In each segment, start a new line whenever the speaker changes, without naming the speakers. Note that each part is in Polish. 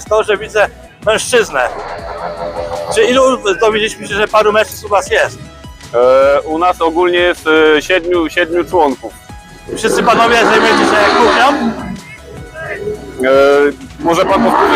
jest to, że widzę mężczyznę. Czy ilu dowiedzieliśmy się, że paru mężczyzn u was jest?
U nas ogólnie jest siedmiu członków.
Wszyscy panowie zajmujecie się jak kuchnią?
Może pan powtórzyć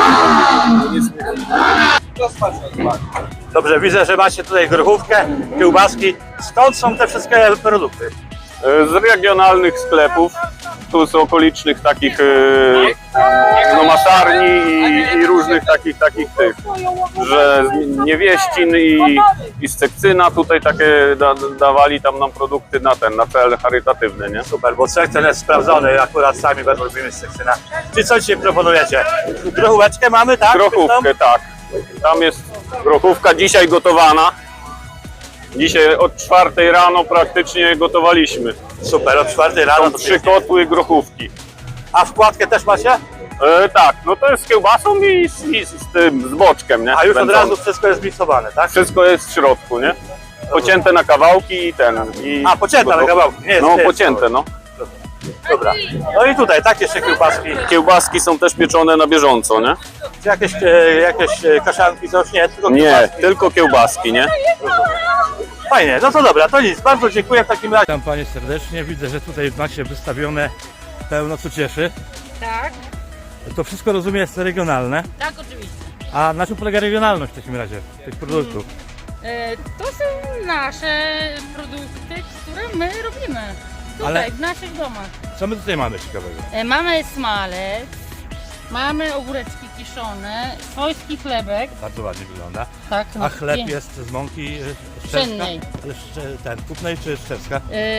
to?
Dobrze, widzę, że macie tutaj grochówkę, kiełbaski. Skąd są te wszystkie produkty?
Z regionalnych sklepów, tu z okolicznych takich no, masarni i różnych takich tych, że z Niewieścin i z Cekcyna tutaj takie dawali tam nam produkty na cel charytatywny, nie?
Super, bo Cekcyn jest sprawdzony, akurat sami bardzo lubimy z Cekcyna. Czy co dzisiaj proponujecie? Grochóweczkę mamy, tak?
Grochówkę, tak. Tam jest grochówka dzisiaj gotowana. Dzisiaj od 4 rano praktycznie gotowaliśmy.
Super, od 4 rano.
Są 3 kotły grochówki.
A wkładkę też macie?
Tak, no to jest z kiełbasą i z boczkiem, nie?
A już od
Wędzone.
razu wszystko jest miksowane, tak?
Wszystko jest w środku, nie? Pocięte na kawałki i
A, pocięte na kawałki, nie jest.
No,
nie jest
pocięte, no.
Dobra. No i tutaj, tak jeszcze kiełbaski.
Kiełbaski są też pieczone na bieżąco, nie?
Czy jakieś kaszanki, coś? Nie, tylko
Nie,
kiełbaski.
tylko kiełbaski, nie?
Fajnie, no to dobra, to nic. Bardzo dziękuję w takim razie. Witam panie serdecznie. Widzę, że tutaj macie wystawione pełno co cieszy.
Tak,
To wszystko rozumiem jest regionalne.
tak oczywiście.
A na czym polega regionalność w takim razie tych produktów?
To są nasze produkty, które my robimy tutaj,
Ale-
w naszych domach.
Co my tutaj mamy ciekawego?
Mamy smalec, mamy ogóreczki kiszone, swojski chlebek.
Bardzo ładnie wygląda.
Tak,
A chleb jest z mąki
Pszennej.
kupnej czy szczerska?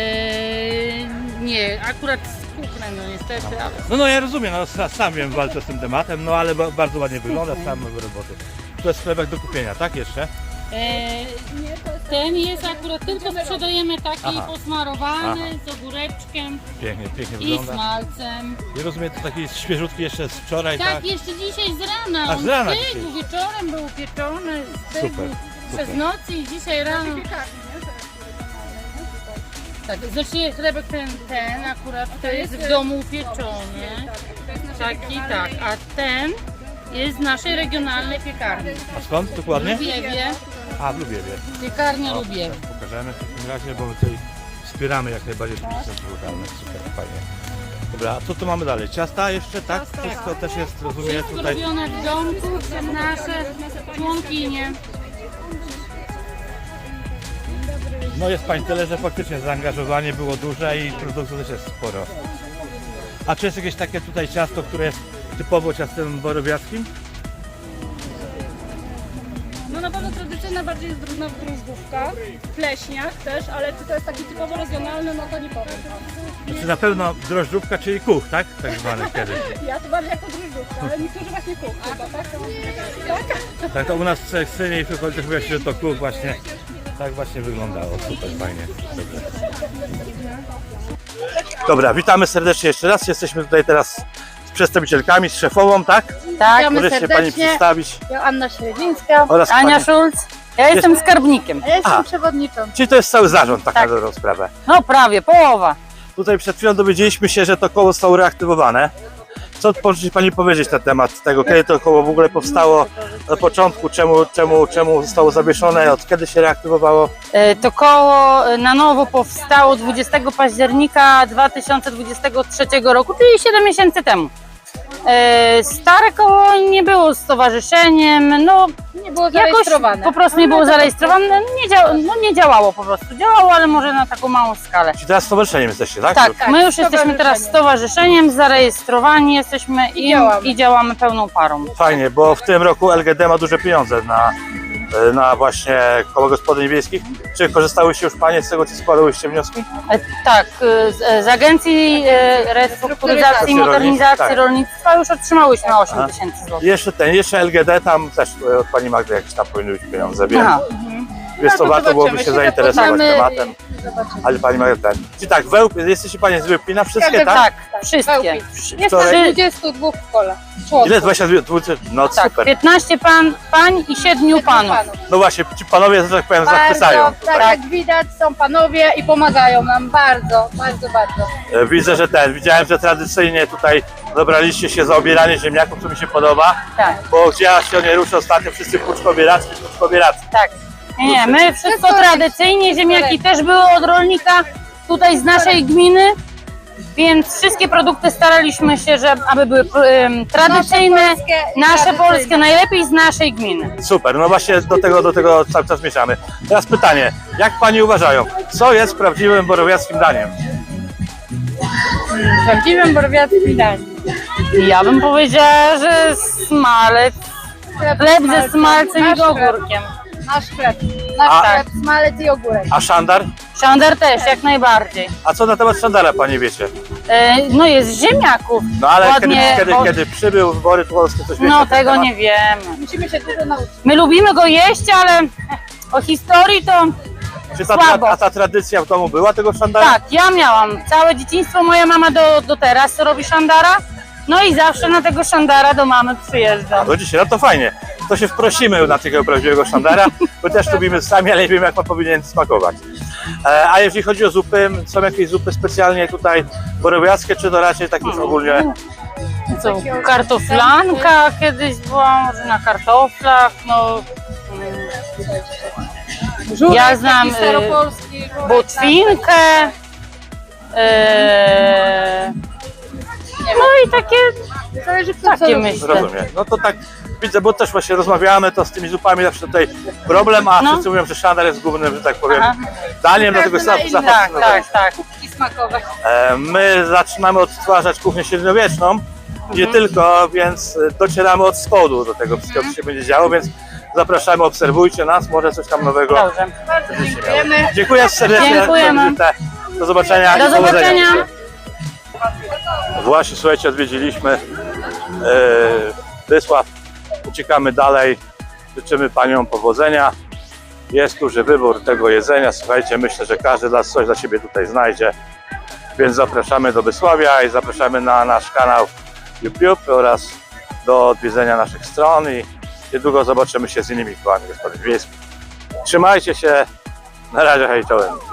Nie, akurat z kuchni, no niestety, ale
No ja rozumiem, no, sam wiem, walczę z tym tematem, no ale bardzo ładnie wygląda, sam roboty. To jest chlebek do kupienia, tak jeszcze?
ten jest akurat tylko sprzedajemy taki
Aha.
posmarowany z ogóreczkiem
Pięknie
i
wygląda.
smalcem.
I rozumiem, to taki świeżutki jeszcze z wczoraj, tak?
Tak, jeszcze dzisiaj z rana.
A, z rana
On stygł,
dzisiaj.
wieczorem był pieczony, stygł
Super.
przez noc i dzisiaj rano. Tak, znaczy chlebek ten akurat to jest w domu upieczony. Taki, tak, a ten jest z naszej regionalnej piekarni.
A skąd dokładnie?
W Lubiewie,
A, w Lubiewie.
piekarnia Lubiew.
Pokażemy w takim razie, bo my tutaj wspieramy jak najbardziej producentów lokalnych. Super, fajnie. Dobra, a co tu mamy dalej? Ciasta jeszcze, tak? Wszystko też jest, rozumiem,
Wszystko
tutaj.
robione w domku, są nasze członkinie.
No jest pań tyle, że faktycznie zaangażowanie było duże i produktu też jest sporo. A czy jest jakieś takie tutaj ciasto, które jest typowo ciastem borowiackim?
No na pewno tradycyjna bardziej jest drożdżówka, w pleśniach też, ale czy to jest taki typowo regionalny, no to nie powiem.
Znaczy na pewno drożdżówka, czyli kuch, tak? Tak zwany kiedyś.
Ja to bardziej jako drożdżówka, ale niektórzy właśnie kuch chyba, tak? Tak?
Tak, to u nas w Cekcynie i w okolicy mówiło się, że to kuch właśnie tak właśnie wyglądało. Super, fajnie. Dobra, witamy serdecznie jeszcze raz. Jesteśmy tutaj teraz z przedstawicielkami, z szefową, tak?
Tak,
Możecie się pani przedstawić.
Joanna Śledzińska,
Oraz
Ania
pani-
Szulc. Ja jestem skarbnikiem.
Ja jestem
A.
przewodniczącą.
Czyli to jest cały zarząd, tak,
Tak.
na dobrą sprawę.
No prawie, połowa.
Tutaj przed chwilą dowiedzieliśmy się, że to koło zostało reaktywowane. Co może pani powiedzieć na temat tego, kiedy to koło w ogóle powstało, na początku, czemu zostało zawieszone, od kiedy się reaktywowało?
To koło na nowo powstało 20 października 2023 roku, czyli 7 miesięcy temu. Stare koło nie było stowarzyszeniem, no
Nie było
jakoś
zarejestrowane.
po prostu nie było zarejestrowane, nie działało po prostu. Działało, ale może na taką małą skalę.
Czyli teraz stowarzyszeniem jesteście, tak?
Tak, my już jesteśmy teraz stowarzyszeniem, zarejestrowani jesteśmy i działamy pełną parą.
Fajnie, bo w tym roku LGD ma duże pieniądze na właśnie koło gospodyń wiejskich. Czy korzystały się już panie z tego, czy składałyście wnioski?
Tak, z Agencji Restrukturyzacji i Modernizacji
Tak.
Rolnictwa już otrzymałyśmy 8
Aha.
tysięcy złotych.
Jeszcze LGD, tam też od pani Magdy jakieś tam powinny być pieniądze, wiem.
Aha.
Wiesz co,
No to
warto byłoby się
zobaczymy,
zainteresować
zobaczymy
tematem. Ale pani Magda, czyli tak, jesteście panie z Wypina, wszystkie, tak?
Tak, wszystkie.
Jest
Wczoraj-
nas 22 w kole.
Ile? 22? No
Tak,
super.
15 pań i 7 panów.
No właśnie, ci panowie, że tak powiem, zachwycają.
Bardzo, tak jak widać, są panowie i pomagają nam bardzo, bardzo, bardzo.
Widzę, że widziałem, że tradycyjnie tutaj zabraliście się za obieranie ziemniaków, co mi się podoba,
Tak,
bo gdzie ja się nie ruszę ostatnio, wszyscy puczkobieracy.
tak. Nie, my wszystko tradycyjnie, ziemniaki też były od rolnika tutaj z naszej gminy, więc wszystkie produkty staraliśmy się, aby były tradycyjne, nasze polskie, najlepiej z naszej gminy.
Super, no właśnie do tego cały czas zmierzamy. Teraz pytanie, jak Pani uważają, co jest prawdziwym borowiackim daniem?
Prawdziwym borowiackim daniem. Ja bym powiedziała, że smalec, chleb ze smalcem i ogórkiem.
Nasz chleb.
A-
Nasz chleb, smalec i ogórek.
A szandar?
Szandar też, jak najbardziej.
A co na temat szandara Pani wiecie?
No jest z ziemniaków.
No ale
Ładnie,
kiedy przybył wybory polskie, coś wiecie
no
na ten
tego
temat?
nie wiemy.
Musimy się dużo nauczyć.
My lubimy go jeść, ale o historii to
Czy
słabo.
ta tradycja w domu była tego szandara?
tak, ja miałam całe dzieciństwo, moja mama do teraz robi szandara. No i zawsze na tego szandara do mamy przyjeżdżam.
No dzisiaj, no to fajnie. To się wprosimy na takiego prawdziwego szandara, bo też lubimy sami, ale nie wiemy jak on powinien smakować. A jeżeli chodzi o zupy, są jakieś zupy specjalnie tutaj borowiackie, czy to raczej tak już ogólnie?
Co, kartoflanka kiedyś była, może na kartoflach, no. Ja znam
Staropolski.
botwinkę. No i takie
Zależy kto co
takie
lubi.
myślę.
Rozumiem. No to tak widzę, bo też właśnie rozmawiamy, to z tymi zupami zawsze tutaj problem, a
No.
wszyscy mówią, że szandar jest głównym, że tak powiem,
Aha.
daniem, dlatego
Każdy na inny.
Tak.
I smakowe.
My zaczynamy odtwarzać kuchnię średniowieczną, nie tylko, więc docieramy od spodu do tego wszystkiego, co się będzie działo, więc zapraszamy, obserwujcie nas, może coś tam nowego.
Dobrze.
Bardzo dziękujemy.
Dziękuję serdecznie.
Dziękujemy.
Do zobaczenia.
Do
i powodzenia.
zobaczenia.
Właśnie, słuchajcie, odwiedziliśmy Wysław. Uciekamy dalej. Życzymy Paniom powodzenia. Jest duży wybór tego jedzenia. Słuchajcie, myślę, że każdy coś dla siebie tutaj znajdzie. Więc zapraszamy do Wysławia i zapraszamy na nasz kanał YouTube oraz do odwiedzenia naszych stron i niedługo zobaczymy się z innymi kołami gospodyń wiejskich. Trzymajcie się. Na razie, hej, czołem.